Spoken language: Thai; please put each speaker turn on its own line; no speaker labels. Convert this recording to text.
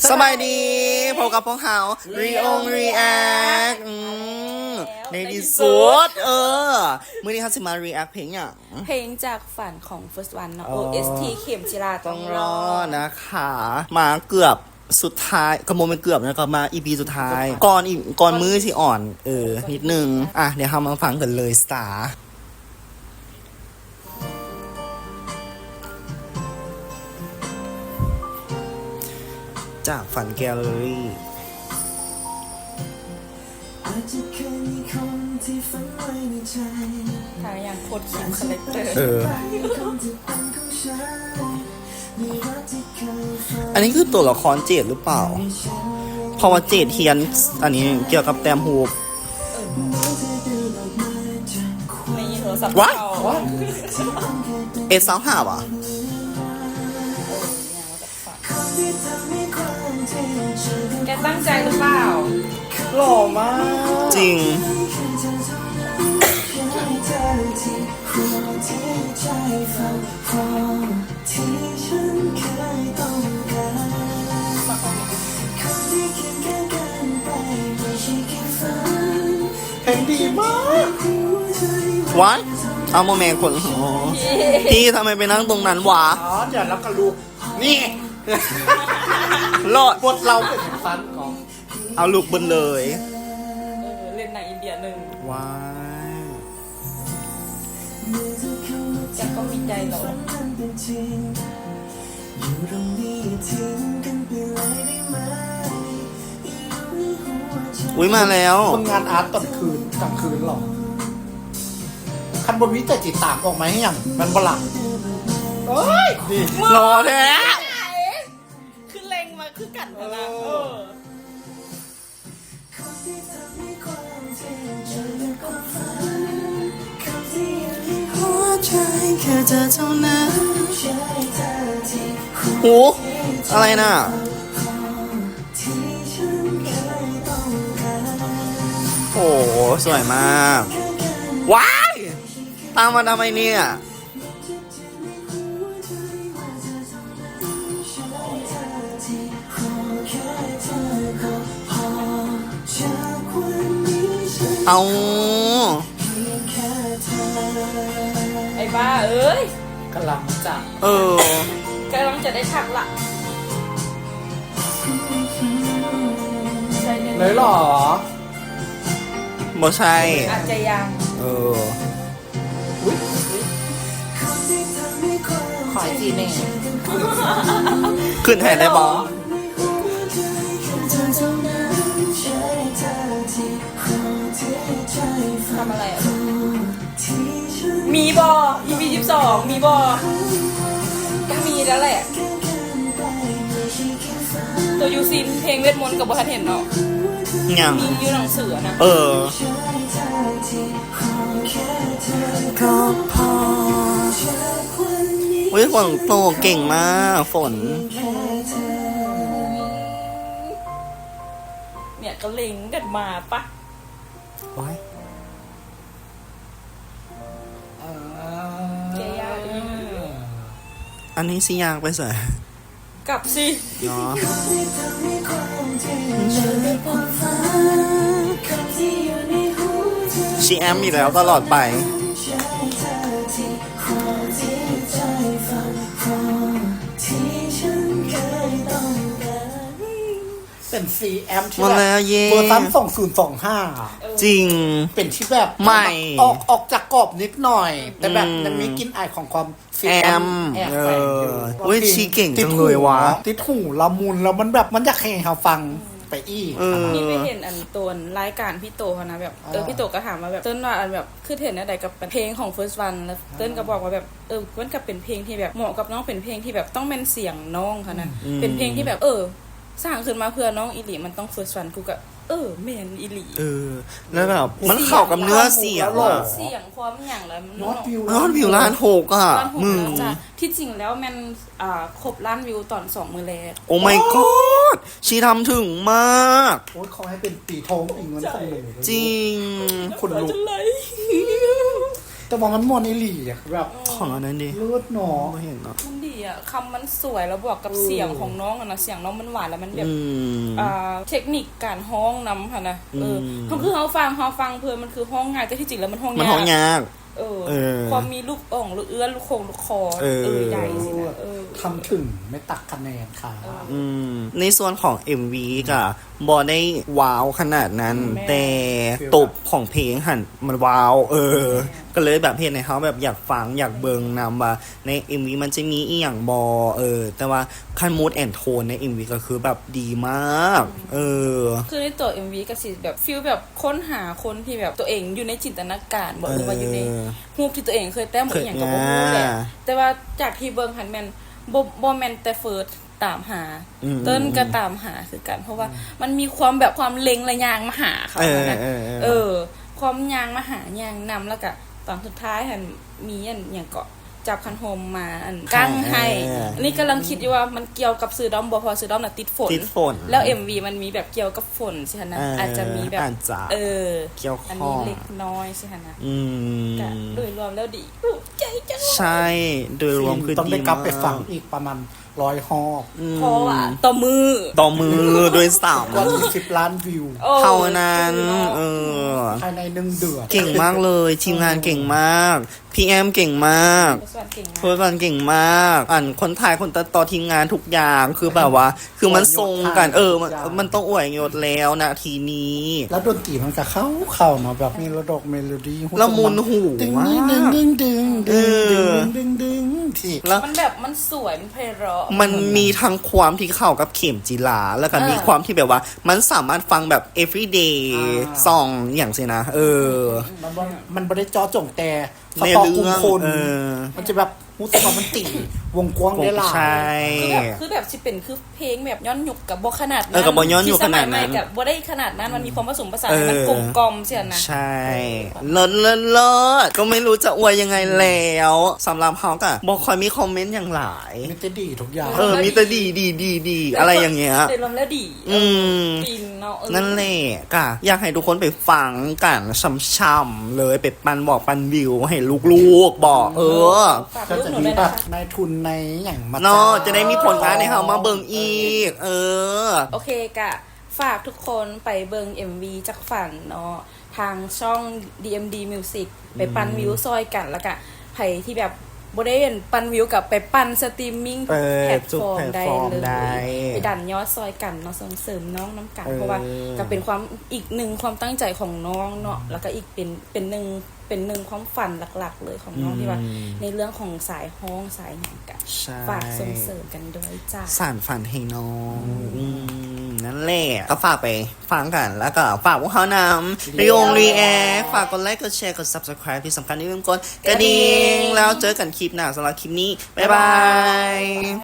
สบายดีพบกับพวกเขารีแอคในที่สุดมื้อนี้เขาจะมารีแอคเพลงอย่าง
เพลงจากฝันของ First One เนาะ OST เข็มจิราต้องรอ
นะคะมาเกือบสุดท้ายกระโมเป็นเกือบนะก็มา EP สุดท้ายก่อนมือที่อ่อนนิดนึงเดี๋ยวเรามาฟังกันเลยสตาร์จากฝันแกลเลอรี่
ทางอย่างโคตรคิมคาแรคเตอร์
อันนี้คือตัวละครเจดหรือเปล่าเพราะว่าเจดเทียนอันนี้เกี่ยวกับแต้มฮูบ
ในโทรศัพท์
ว้า
เอ
สาวหาว่ะ
แกตั้งใจหรือเปล่า
หล่อมากจริงเพลงดีมากวัดเอาโมเมนต์คนพี่ทำไมไปนั่งตรงนั้นวะ
เดี๋ยวแล้วก็ลูกนี่
รอด
บทเราเป็นฟันของ
เอาลูกบนเลย
เล่นหนังอินเดียหนึ่ง
ว้าย
แกก็มีใจเหรอ
อุ้ยมาแล้ว
มึงงานอาร์ตตอนคืนกลางคืนหรอคันบวิแต่จิตตามออกมาให้อย่างมันบลังเอ้ยดี
รอแท้
คือเล็งมาคือกัดมานะ
หัวใจแค่เธอเท่านั้นหูอะไรน่ะโอ้สวยมากว้ายตามมาทำไมเนี่ยเอา
ไอ้บ้าเอ้ย
กำลังจะ
กำลังจะได้ทักละ
เลยหรอ
บ่ใช่
อาจจะยัง
ขอจีเน่
ขึ้นแทนได้บอ
ทำอะไรอ่ะมีบอ EP 12มีบอต้องมีแล้วแหละตัวยูซินเพลงเวทมนต์กับบัวทันเห็นเนาะ
ยัง
มีอยู่หนังสือนะ
ก็พออุ้ยฝนตกเก่งมากฝน
เนี่ยก็เล็งกันมาปะ
ว้ายอันนี้สิยากไปเสีย
กลับสิ
เนาะชีแอมอีกแล้วตลอดไป
เป็นCMที่แบบเวอร์ชัน2025
จริง
เป็นที่แบบ
ใหม่
ออกจากกรอบนิดหน่อยแต่แบบยังมีกลิ่นอายของความCM
เว้ยชีเก่งจังเลยวะ
ติดหูละมุนแล้วมันแบบมันอยากให้เขาฟังไปอีก
นี่ไม่เห็นอันตัวรายการพี่โตเขานะแบบพี่โตก็ถามมาแบบเติ้ลว่าอันแบบคือเห็นอะไรกับเพลงของ First One แล้วเติ้ลก็บอกว่าแบบมันก็เป็นเพลงที่แบบเหมาะกับน้องเป็นเพลงที่แบบต้องเป็นเสียงน้องค่ะนะเป็นเพลงที่แบบสร้างขึ้นมาเพื่อน้องอิหลีมันต้อง First One กูก็แมนอิหลี
แล้วแบบมันเข้ากับเนื้อเสียง
ความอย่างแล้ว
ยอดวิวล้านหกมึง
ที่จริงแล้วมันครบล้านวิวตอน2 มื้อแรก
โอ้ my god ชีทำถึงมาก
โอ้ยขอให้เป็นปีทองอีกเงินของหนู
จริง
คนลุกแต่ว่ามันมวนอีหลีอะแบบ
ของอันนั้นดิ
เลือดหนอ
ไม่เห็นเนาะ
มันดีอ่ะคำมันสวยแล้วบวกกับเสียงของน้องอะนะเสียงน้องมันหวานแล้วมันแบบ
อืม
เทคนิคการห้องนำค่ะนะเขาคือเขาฟังเพื่อมันคือห้องง่ายแต่ที่จริงแล้วมันห้อง
มัน
ยาก
ห้องยาก
ความมีลูกอ่องลูกเอื้อนลูกโคงลูกคอใหญ่สินะ
ทำถึงไม่ตักคะแนนค่ะ
ในส่วนของ MV ก็บอได้ว้าวขนาดนั้น แต่ตบของเพลงหันมันว้าว ก็เลยแบบเห็นในเขาแบบอยากฟังอยากเบิงนำว่าใน MV มันจะมีอีหยังบอแต่ว่าคันมูดแอนโทนใน MV ก็คือแบบดีมาก
คือในตัว MV ก็สิแบบฟีลแบบค้นหาคนที่แบบตัวเองอยู่ในจินตนาการบอกหรือว่าอยู่ในรูปที่ตัวเองเคยแต้มหรืออย่างกับบ่รู้แหละแต่ว่าจากที่เบิงหันแมนบ่แมนแต่เฟิร์สตามหาเติ้นก็ตามหาคือกัน เพราะว่ามันมีความแบบความเล็งระยางมาหาเขานะความยางมาหายางนำแล้วก็ตอนสุดท้ายหันมีอย่างเกาะจับคันโฮมมากั้งให้อันนี้กำลังคิดอยู่ว่ามันเกี่ยวกับซื้อด้อมบ่พอซื้อด้อมน่ะติดฝนแล้ว MV มันมีแบบเกี่ยวกับฝนใช่ไหมอาจจะมีแบบ
เกี่ยวข้อง
อันนี้เล็กน้อยใช่ไหมก็โดยรวมแล้วดีใจจัง
ใช่โดยรวมคือ
ต้อง
ดี
ได้กลับไปฟัง
มาก
อีกประมาณ100 ฮอบ
เพราะว่าต่อมือ
โดยสาม
กว่า10 ล้านวิว
เท่านั้น
ภายใน1 เดือน
เก่งมากเลยทีมงานเก่งมากพี่แอมเก่งมากเฟิร์สวันเก่งมากคนถ่ายคนตัดต่อทีมงานทุกอย่างคือแบบว่า คือมันทรงกันมันต้องอวยยศแล้วนะทีนี้
แล้วดนตรีมันก็เข้าเนาะแบบเมโลดี้
ละมุนหู
ดึง
มาก
ดึงที่
แล้ว
มันแบบมันสวยมันไพเราะ
มันมีทั้งความที่เข้ากับเข็มจีลาแล้วก็มีความที่แบบว่า มันสามารถฟังแบบ everyday song อย่างเช่นนะ
มันไม่ได้จอจงแต่ส
ใน
ตอ
เรื่
กุม
อง
คนมันจะแบบมูสกมันติวงกว้างได้หลาย
ใช่
คือแบบสิเป็นคือเพลงแบบย้อนยุคกับบ่ขนาด
กับบ่ย้อนยุคขนาดนั้น
กับบ่ได้ขนาดนั้นมันมีความผสมผสานมันกลมกล่อมเสียนะ
ใช่เลิศก็ไม่รู้จะอวยยังไงแล้วสำหรับเขาก็บอกคอยมีคอมเมนต์อย่างหลาย
มีแต่ดีทุกอย่าง
มีแต่ดีอะไรอย่างเงี้ย
โดยรวมแล้วดีฟินเนาะ
นั่นแหละก็อยากให้ทุกคนไปฟังกันช่ำๆเลยไปปันวิวให้ลูกๆบอก
ฝาก
ก็
ลูก
จะ
หนู
มี
ด้วย
แบ
นะ
บ
คะ
นายทุนในอย่างมา
เนาะจะได้มีผลงานให้เขามาเบิ่งอีก
โอเคกะฝากทุกคนไปเบิง MV จากฝั่งเนาะทางช่อง DMD Music ไปปั่นวิวซอยกันแล้วก็ไผที่แบบบ่ได้ปั่นวิวกับไปปั่นสตรีมมิ่งแพลตฟอร์มได้เลยไปดันยอดซอยกันเนาะส่งเสริมน้องน้ำกันเพราะว่าก็เป็นความอีกหนึ่งความตั้งใจของน้องเนาะแล้วก็อีกเป็นหนึ่งความฝันหลักๆเลยของน้องที่ว่าในเรื่องของสายฮ้องสายหยังกันฝากส่งเสริมกันด้วยจ้า
สานฝันให้น้องนั่นแหละก็ฝากไปฟังกันแล้วก็ฝากพวกเขานำรีแอคฝากกดไลค์กดแชร์กด subscribe ที่สำคัญอย่าลืมกดกระดิ่งแล้วเจอกันคลิปหน้าสำหรับคลิปนี้บ๊ายบาย